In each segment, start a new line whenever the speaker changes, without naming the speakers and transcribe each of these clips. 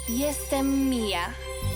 Jestem Mia.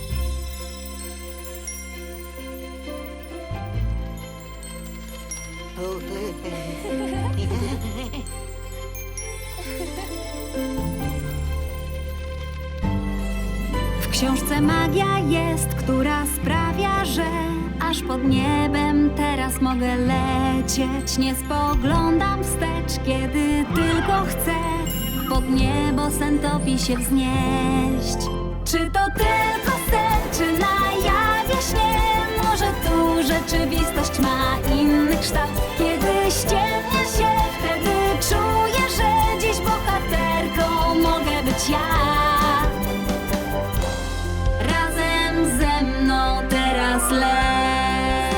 W książce magia jest, która sprawia, że aż pod niebem teraz mogę lecieć. Nie spoglądam wstecz, kiedy tylko chcę pod niebo sen topi się wznieść. Czy to tylko sen, czy na jawie śnie? Może tu rzeczywistość ma inny kształt. Kiedy ściemnia się, wtedy czuję, że dziś bohaterką mogę być ja. Razem ze mną teraz leć.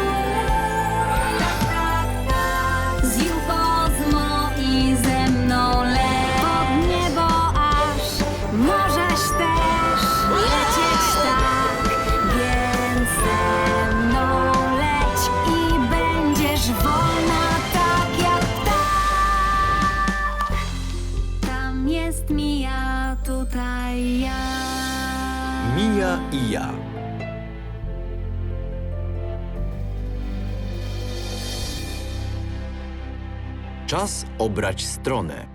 Z Jukozmo i ze mną leć. Pod niebo aż możesz też lecieć tak. Więc ze mną leć i będziesz wolna tak jak ptak. Tam jest Mia, tutaj ja.
Mia i ja. Czas obrać stronę.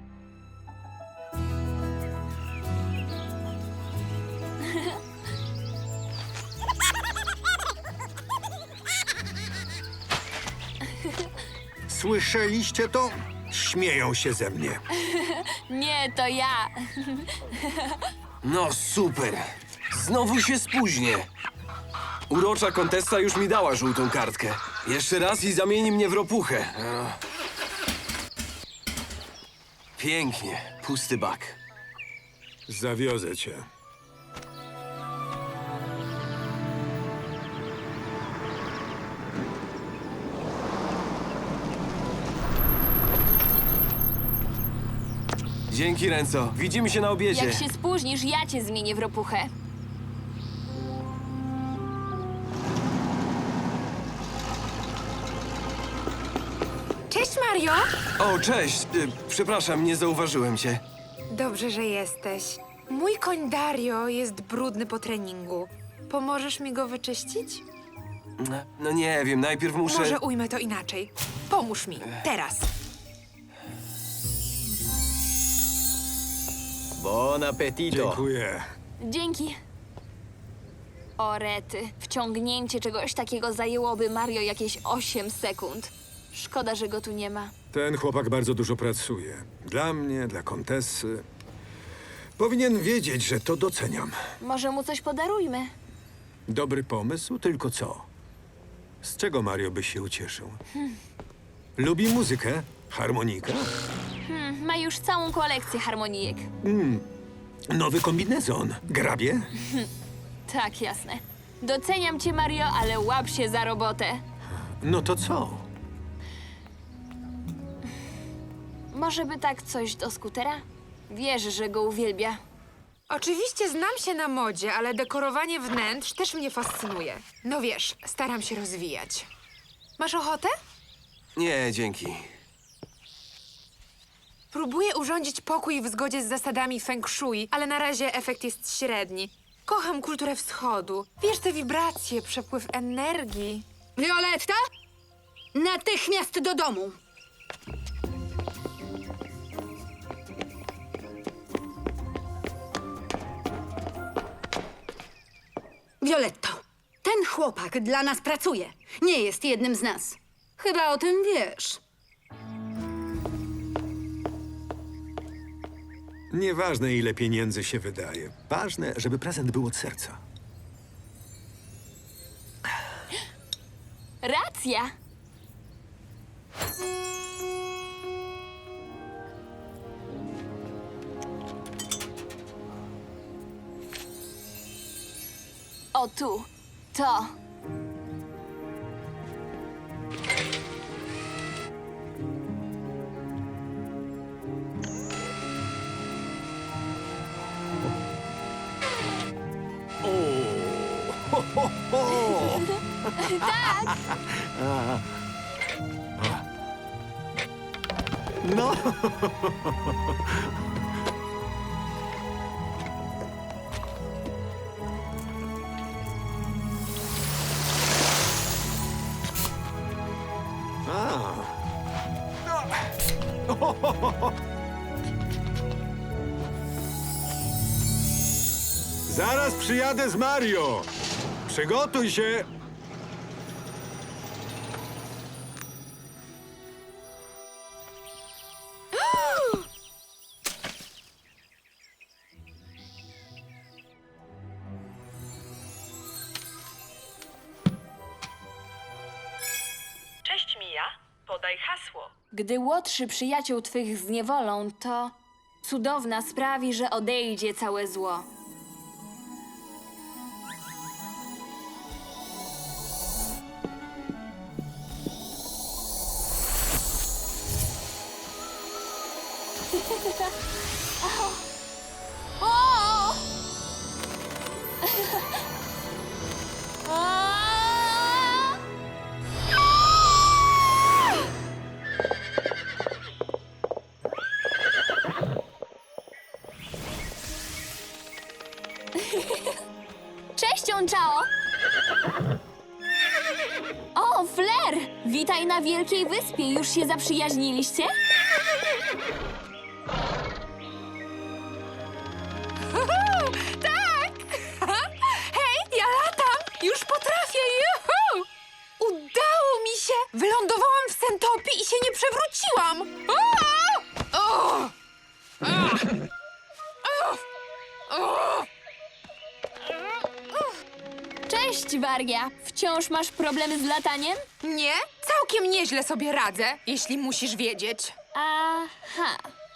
Słyszeliście to? Śmieją się ze mnie.
Nie, to ja.
No super. Znowu się spóźnię. Urocza kontesta już mi dała żółtą kartkę. Jeszcze raz i zamieni mnie w ropuchę. Pięknie. Pusty bak.
Zawiozę cię.
Dzięki, Renzo. Widzimy się na obiedzie.
Jak się spóźnisz, ja cię zmienię w ropuchę.
Cześć, Mario!
O, cześć. Przepraszam, nie zauważyłem cię.
Dobrze, że jesteś. Mój koń Dario jest brudny po treningu. Pomożesz mi go wyczyścić?
No nie wiem, najpierw muszę...
Może ujmę to inaczej. Pomóż mi, teraz.
Bon appetito.
Dziękuję.
Dzięki. O rety, wciągnięcie czegoś takiego zajęłoby Mario jakieś 8 sekund. Szkoda, że go tu nie ma.
Ten chłopak bardzo dużo pracuje. Dla mnie, dla Kontessy. Powinien wiedzieć, że to doceniam.
Może mu coś podarujmy?
Dobry pomysł, tylko co? Z czego Mario by się ucieszył? Lubi muzykę? Harmonika?
Ma już całą kolekcję harmonijek.
Nowy kombinezon? Grabie?
Tak, jasne. Doceniam cię, Mario, ale łap się za robotę.
No to co?
Może by tak coś do skutera? Wiesz, że go uwielbia.
Oczywiście znam się na modzie, ale dekorowanie wnętrz też mnie fascynuje. No wiesz, staram się rozwijać. Masz ochotę?
Nie, dzięki.
Próbuję urządzić pokój w zgodzie z zasadami feng shui, ale na razie efekt jest średni. Kocham kulturę wschodu. Wiesz, te wibracje, przepływ energii.
Violetta? Natychmiast do domu! Violetto, ten chłopak dla nas pracuje. Nie jest jednym z nas. Chyba o tym wiesz.
Nieważne, ile pieniędzy się wydaje. Ważne, żeby prezent był od serca.
Racja! O tu, to.
No, Zaraz przyjadę z Mario. Przygotuj się.
Cześć Mija, podaj hasło.
Gdy łotrzy przyjaciół twych zniewolą, to cudowna sprawi, że odejdzie całe zło. O! A! Cześć, Onchao! O, Flair! Witaj na Wielkiej Wyspie. Już się zaprzyjaźniliście?
Tak! Hej, ja latam! Już potrafię! Juhu! Udało mi się! Wylądowałam w Sentopii i się nie przewróciłam! O! O!
Cześć, Waria! Wciąż masz problemy z lataniem?
Nie? Całkiem nieźle sobie radzę, jeśli musisz wiedzieć.
Aha.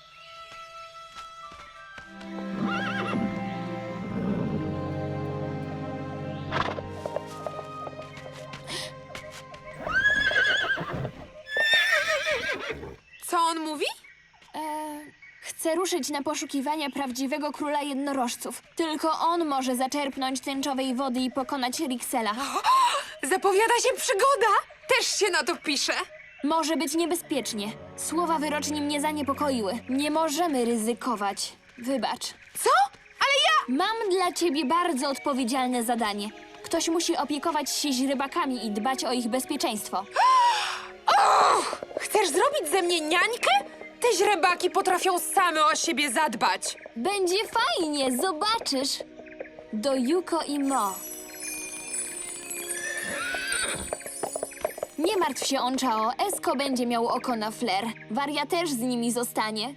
Co on mówi?
Chcę ruszyć na poszukiwania prawdziwego króla jednorożców. Tylko on może zaczerpnąć tęczowej wody i pokonać Rixela.
Zapowiada się przygoda! Też się na to pisze.
Może być niebezpiecznie. Słowa wyroczni mnie zaniepokoiły. Nie możemy ryzykować. Wybacz.
Co? Ale ja...
Mam dla ciebie bardzo odpowiedzialne zadanie. Ktoś musi opiekować się źrebakami i dbać o ich bezpieczeństwo.
Chcesz zrobić ze mnie niańkę? Te źrebaki potrafią same o siebie zadbać.
Będzie fajnie, zobaczysz. Do Yuko i Mo. Nie martw się, Onchao. Esko będzie miał oko na Flair. Waria też z nimi zostanie.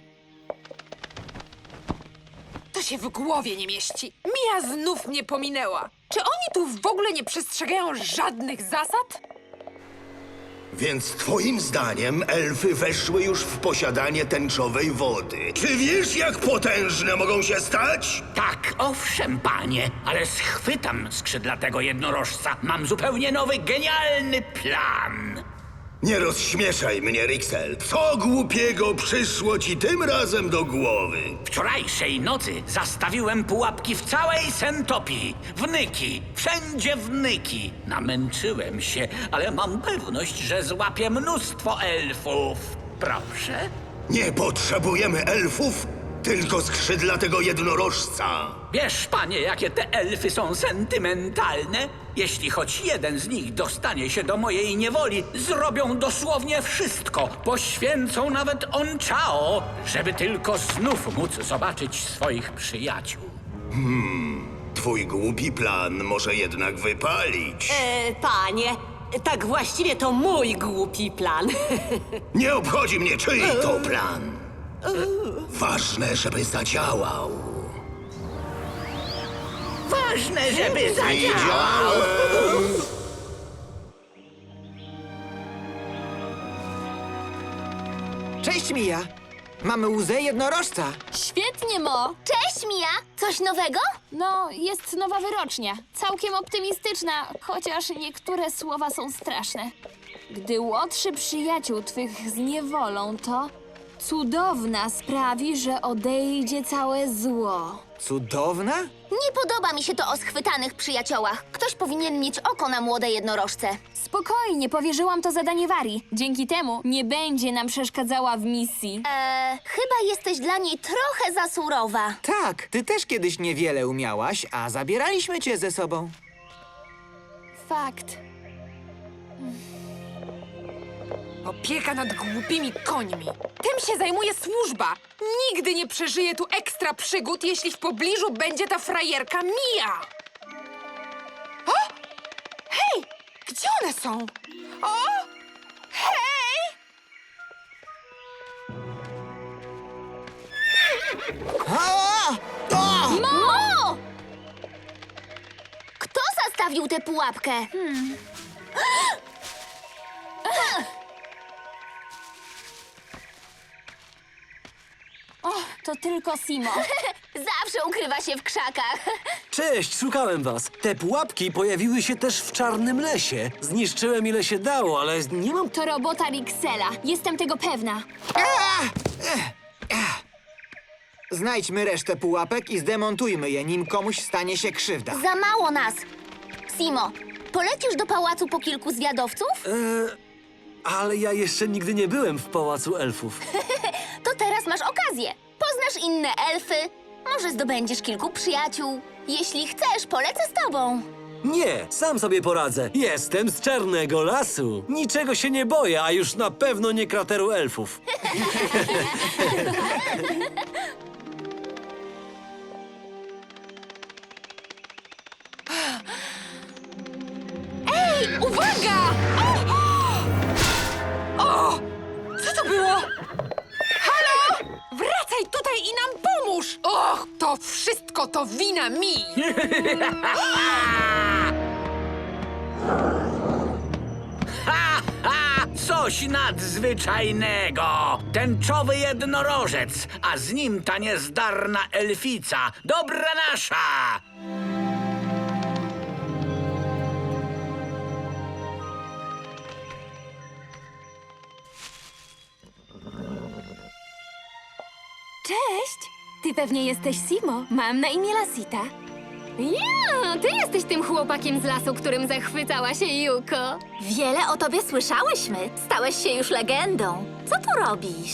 To się w głowie nie mieści. Mija znów mnie pominęła. Czy oni tu w ogóle nie przestrzegają żadnych zasad?
Więc twoim zdaniem elfy weszły już w posiadanie tęczowej wody. Czy wiesz, jak potężne mogą się stać?
Tak, owszem, panie, ale schwytam skrzydlatego jednorożca. Mam zupełnie nowy, genialny plan.
Nie rozśmieszaj mnie, Rixel. Co głupiego przyszło ci tym razem do głowy?
Wczorajszej nocy zastawiłem pułapki w całej Sentopii. Wnyki, wszędzie wnyki. Namęczyłem się, ale mam pewność, że złapię mnóstwo elfów. Proszę.
Nie potrzebujemy elfów, tylko skrzydlatego jednorożca.
Wiesz, panie, jakie te elfy są sentymentalne? Jeśli choć jeden z nich dostanie się do mojej niewoli, zrobią dosłownie wszystko. Poświęcą nawet Onchao, żeby tylko znów móc zobaczyć swoich przyjaciół.
Twój głupi plan może jednak wypalić.
Panie, tak właściwie to mój głupi plan.
Nie obchodzi mnie, czyj to plan. Ważne, żeby zadziałał.
Ważne, żeby zadziałał.
Cześć, Mija. Mamy łzę jednorożca.
Świetnie, Mo!
Cześć, Mija! Coś nowego?
No, jest nowa wyrocznia. Całkiem optymistyczna, chociaż niektóre słowa są straszne. Gdy łotrzy przyjaciół twych zniewolą, to cudowna sprawi, że odejdzie całe zło.
Cudowna?
Nie podoba mi się to o schwytanych przyjaciołach. Ktoś powinien mieć oko na młode jednorożce.
Spokojnie, powierzyłam to zadanie Warii. Dzięki temu nie będzie nam przeszkadzała w misji.
Chyba jesteś dla niej trochę za surowa.
Tak, ty też kiedyś niewiele umiałaś, a zabieraliśmy cię ze sobą.
Fakt.
Opieka nad głupimi końmi. Tym się zajmuje służba. Nigdy nie przeżyję tu ekstra przygód, jeśli w pobliżu będzie ta frajerka Mia. O! Hej! Gdzie one są? O! Hej!
Mo! Kto zastawił tę pułapkę?
O, to tylko Simo.
Zawsze ukrywa się w krzakach.
Cześć, szukałem was. Te pułapki pojawiły się też w Czarnym Lesie. Zniszczyłem ile się dało, ale nie mam...
To robota Rixela. Jestem tego pewna.
Znajdźmy resztę pułapek i zdemontujmy je, nim komuś stanie się krzywda.
Za mało nas. Simo, polecisz do pałacu po kilku zwiadowców?
Ale ja jeszcze nigdy nie byłem w Pałacu Elfów.
To teraz masz okazję. Poznasz inne elfy. Może zdobędziesz kilku przyjaciół. Jeśli chcesz, polecę z tobą.
Nie, sam sobie poradzę. Jestem z Czarnego Lasu. Niczego się nie boję, a już na pewno nie krateru elfów.
Uwaga! O! Co to było? Halo? Wracaj tutaj i nam pomóż! Och, to wszystko to wina mi!
Coś nadzwyczajnego! Tęczowy jednorożec, a z nim ta niezdarna elfica. Dobra nasza!
Cześć! Ty pewnie jesteś Simo. Mam na imię Lasita. Ja, ty jesteś tym chłopakiem z lasu, którym zachwycała się Yuko.
Wiele o tobie słyszałyśmy. Stałeś się już legendą. Co tu robisz?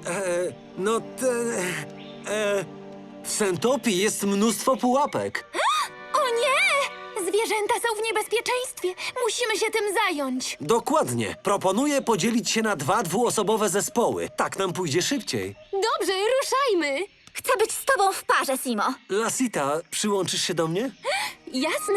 W Sentopii jest mnóstwo pułapek.
O nie! Zwierzęta są w niebezpieczeństwie. Musimy się tym zająć.
Dokładnie. Proponuję podzielić się na 2 dwuosobowe zespoły. Tak nam pójdzie szybciej.
Dobrze, ruszajmy.
Chcę być z tobą w parze, Simo.
Lasita, przyłączysz się do mnie?
Jasne.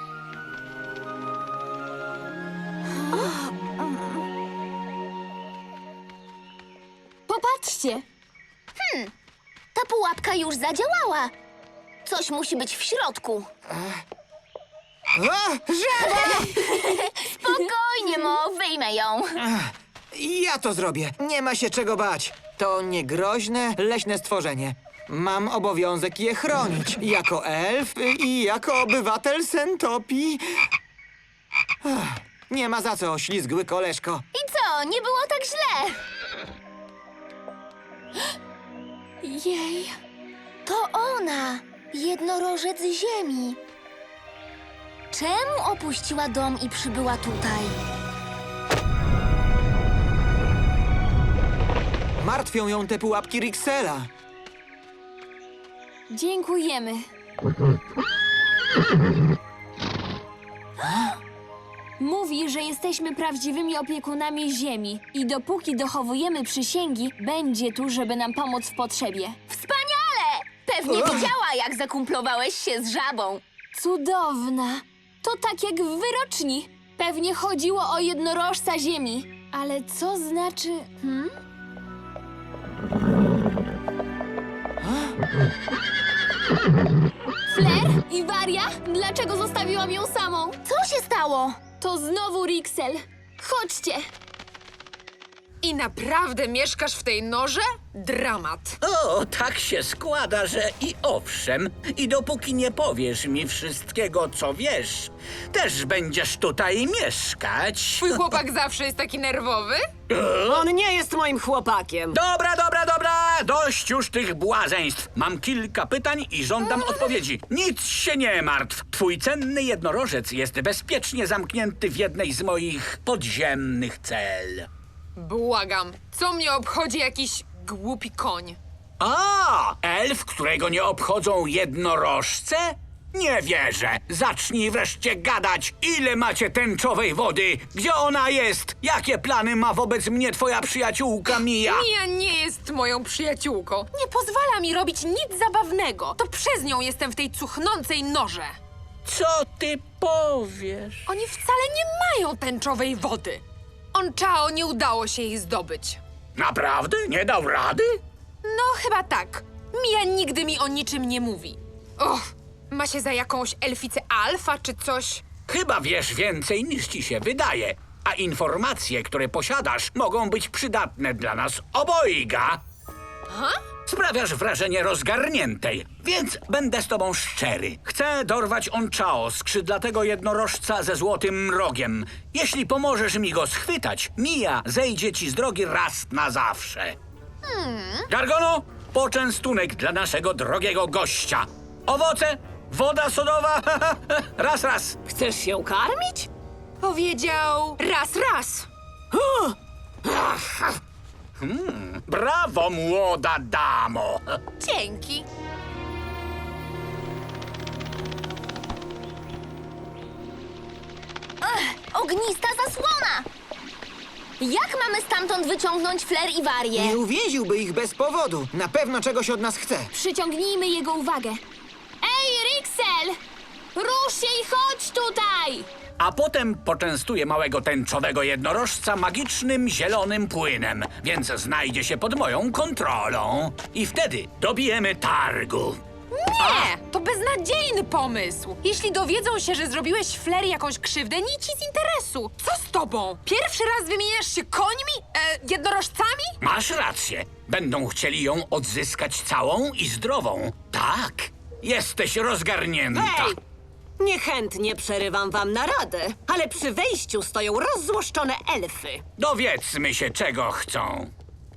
Popatrzcie.
Ta pułapka już zadziałała. Coś musi być w środku. Spokojnie, Mo, wyjmę ją.
Ja to zrobię. Nie ma się czego bać. To niegroźne, leśne stworzenie. Mam obowiązek je chronić. Jako elf i jako obywatel Sentopii. Nie ma za co, ślizgły koleżko.
I co, nie było tak źle?
Jej.
To ona, jednorożec ziemi. Czemu opuściła dom i przybyła tutaj?
Martwią ją te pułapki Rixela.
Dziękujemy. Mówi, że jesteśmy prawdziwymi opiekunami ziemi i dopóki dochowujemy przysięgi, będzie tu, żeby nam pomóc w potrzebie.
Wspaniale! Pewnie widziała, jak zakumplowałeś się z żabą.
Cudowna. To tak jak w wyroczni. Pewnie chodziło o jednorożca ziemi. Ale co znaczy... Flair i Waria? Dlaczego zostawiłam ją samą?
Co się stało?
To znowu Rixel. Chodźcie.
I naprawdę mieszkasz w tej norze? Dramat.
O, tak się składa, że i owszem. I dopóki nie powiesz mi wszystkiego, co wiesz, też będziesz tutaj mieszkać.
Twój chłopak zawsze jest taki nerwowy?
On nie jest moim chłopakiem.
Dobra, dość już tych błazeństw. Mam kilka pytań i żądam odpowiedzi. Nic się nie martw. Twój cenny jednorożec jest bezpiecznie zamknięty w jednej z moich podziemnych cel.
Błagam, co mnie obchodzi jakiś głupi koń?
A, elf, którego nie obchodzą jednorożce? Nie wierzę! Zacznij wreszcie gadać! Ile macie tęczowej wody? Gdzie ona jest? Jakie plany ma wobec mnie twoja przyjaciółka Mia?
Mia nie jest moją przyjaciółką. Nie pozwala mi robić nic zabawnego. To przez nią jestem w tej cuchnącej norze.
Co ty powiesz?
Oni wcale nie mają tęczowej wody. Onchao nie udało się jej zdobyć.
Naprawdę? Nie dał rady?
No, chyba tak. Mia nigdy mi o niczym nie mówi. Och, ma się za jakąś elficę alfa czy coś?
Chyba wiesz więcej niż ci się wydaje. A informacje, które posiadasz, mogą być przydatne dla nas obojga. Sprawiasz wrażenie rozgarniętej, więc będę z tobą szczery. Chcę dorwać Onchao, skrzydlatego jednorożca ze złotym rogiem. Jeśli pomożesz mi go schwytać, Mia zejdzie ci z drogi raz na zawsze. Gargono, poczęstunek dla naszego drogiego gościa. Owoce, woda sodowa, raz.
Chcesz ją karmić?
Powiedział raz.
Brawo, młoda damo.
Dzięki.
Ognista zasłona! Jak mamy stamtąd wyciągnąć Flair i Warię?
Nie uwięziłby ich bez powodu. Na pewno czegoś od nas chce.
Przyciągnijmy jego uwagę. Ej, Rixel! Rusz się i chodź tutaj!
A potem poczęstuję małego tęczowego jednorożca magicznym zielonym płynem, więc znajdzie się pod moją kontrolą. I wtedy dobijemy targu.
Nie, to beznadziejny pomysł. Jeśli dowiedzą się, że zrobiłeś Flair jakąś krzywdę, nic ci z interesu. Co z tobą? Pierwszy raz wymieniasz się końmi? Jednorożcami?
Masz rację. Będą chcieli ją odzyskać całą i zdrową. Tak, jesteś rozgarnięta.
Hej! Niechętnie przerywam wam naradę, ale przy wejściu stoją rozzłoszczone elfy.
Dowiedzmy się, czego chcą.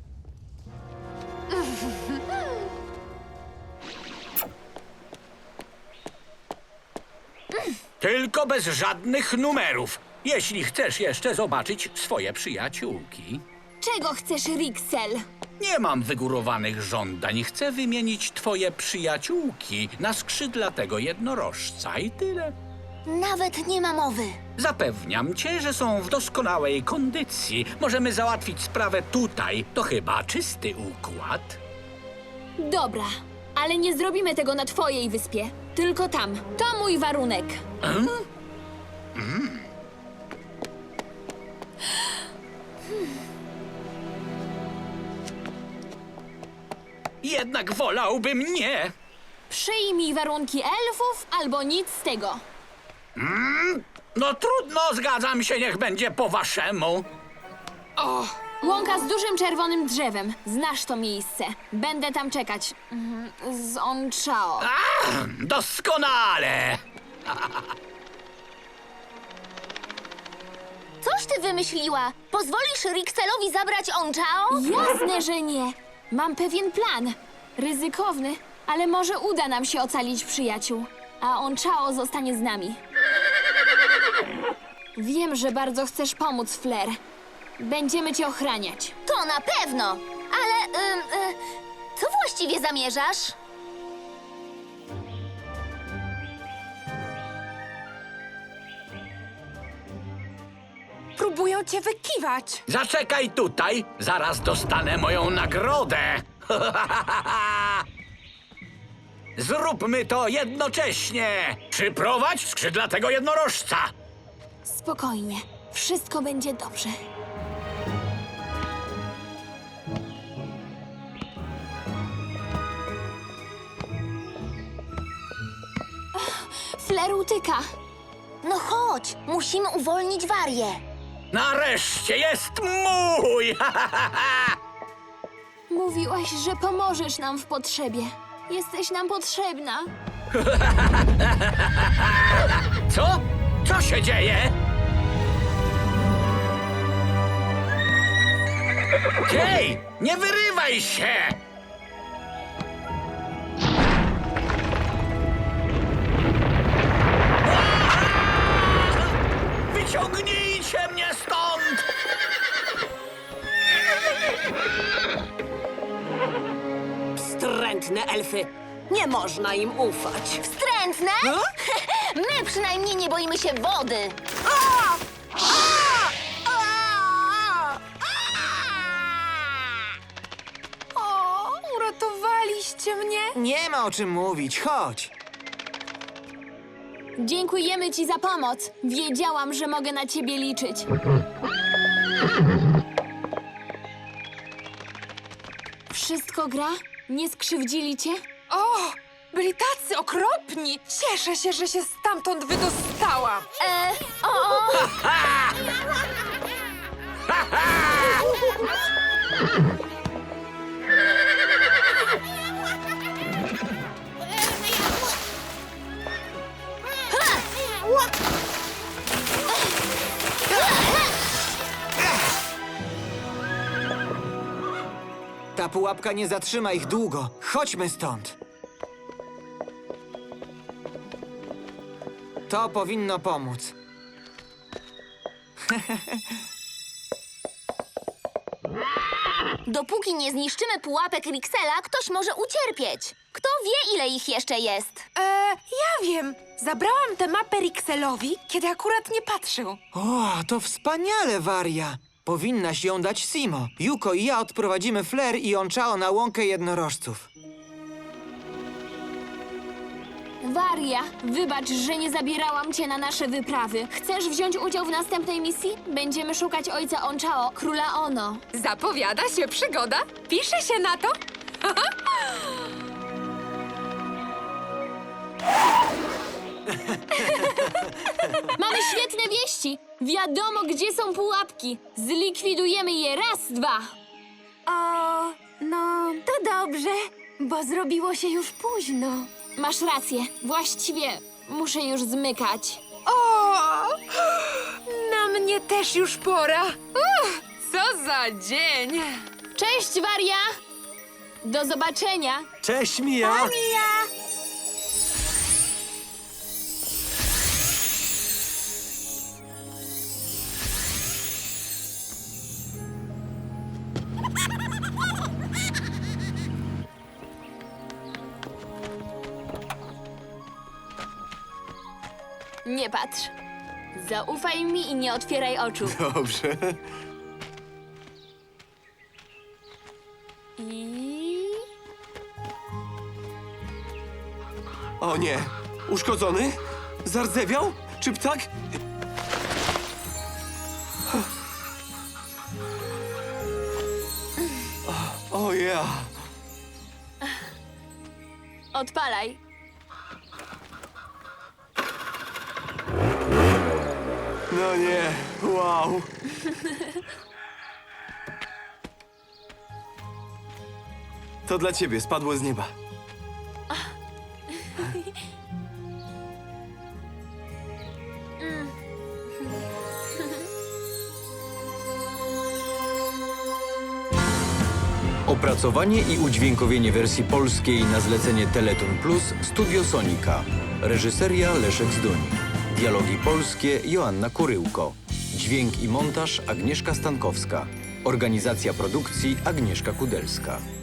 Tylko bez żadnych numerów, jeśli chcesz jeszcze zobaczyć swoje przyjaciółki.
Czego chcesz, Rixel?
Nie mam wygórowanych żądań. Chcę wymienić twoje przyjaciółki na skrzydlatego jednorożca i tyle.
Nawet nie ma mowy.
Zapewniam cię, że są w doskonałej kondycji. Możemy załatwić sprawę tutaj. To chyba czysty układ.
Dobra, ale nie zrobimy tego na twojej wyspie. Tylko tam. To mój warunek.
Jednak wolałbym nie.
Przyjmij warunki elfów albo nic z tego.
No trudno, zgadzam się, niech będzie po waszemu.
Łąka z dużym czerwonym drzewem. Znasz to miejsce. Będę tam czekać. Z Onchao.
Doskonale.
Coś ty wymyśliła? Pozwolisz Rixelowi zabrać Onchao?
Jasne, że nie. Mam pewien plan. Ryzykowny, ale może uda nam się ocalić przyjaciół. A Onchao zostanie z nami. Wiem, że bardzo chcesz pomóc, Flair. Będziemy cię ochraniać.
To na pewno. Ale, co właściwie zamierzasz?
Próbują cię wykiwać.
Zaczekaj tutaj, zaraz dostanę moją nagrodę. Zróbmy to jednocześnie. Przyprowadź skrzydlatego jednorożca.
Spokojnie. Wszystko będzie dobrze. Flair utyka.
No chodź, musimy uwolnić Warię.
Nareszcie jest mój!
Mówiłaś, że pomożesz nam w potrzebie. Jesteś nam potrzebna.
Co? Co się dzieje? Hej, nie wyrywaj się! Wyciągnijcie mnie stąd!
Wstrętne elfy. Nie można im ufać.
Wstrętne Chętne? My przynajmniej nie boimy się wody.
O, uratowaliście mnie.
Nie ma o czym mówić, chodź.
Dziękujemy ci za pomoc. Wiedziałam, że mogę na ciebie liczyć. Wszystko gra? Nie skrzywdzili cię?
O, byli tacy okropni. Cieszę się, że się stamtąd wydostałam.
Ta pułapka nie zatrzyma ich długo. Chodźmy stąd. To powinno pomóc.
Dopóki nie zniszczymy pułapek Rixela, ktoś może ucierpieć. Kto wie, ile ich jeszcze jest?
Ja wiem. Zabrałam tę mapę Rixelowi, kiedy akurat nie patrzył.
O, to wspaniale, Waria. Powinnaś ją dać Simo. Yuko i ja odprowadzimy Flair i Onchao na łąkę jednorożców.
Waria, wybacz, że nie zabierałam cię na nasze wyprawy. Chcesz wziąć udział w następnej misji? Będziemy szukać ojca Onchao, króla Ono.
Zapowiada się przygoda? Pisze się na to?
Mamy świetne wieści! Wiadomo, gdzie są pułapki. Zlikwidujemy je raz, dwa.
No, to dobrze, bo zrobiło się już późno.
Masz rację. Właściwie muszę już zmykać.
O, na mnie też już pora. Co za dzień!
Cześć, Waria! Do zobaczenia!
Cześć, Mia!
Nie patrz. Zaufaj mi i nie otwieraj oczu.
Dobrze.
I...
O nie. Uszkodzony? Zardzewiał? Czy ptak? O ja.
Odpalaj.
No nie. Wow. To dla ciebie spadło z nieba.
Opracowanie i udźwiękowienie wersji polskiej na zlecenie Teleton Plus Studio Sonika. Reżyseria Leszek Zduń. Dialogi polskie Joanna Kuryłko. Dźwięk i montaż Agnieszka Stankowska. Organizacja produkcji Agnieszka Kudelska.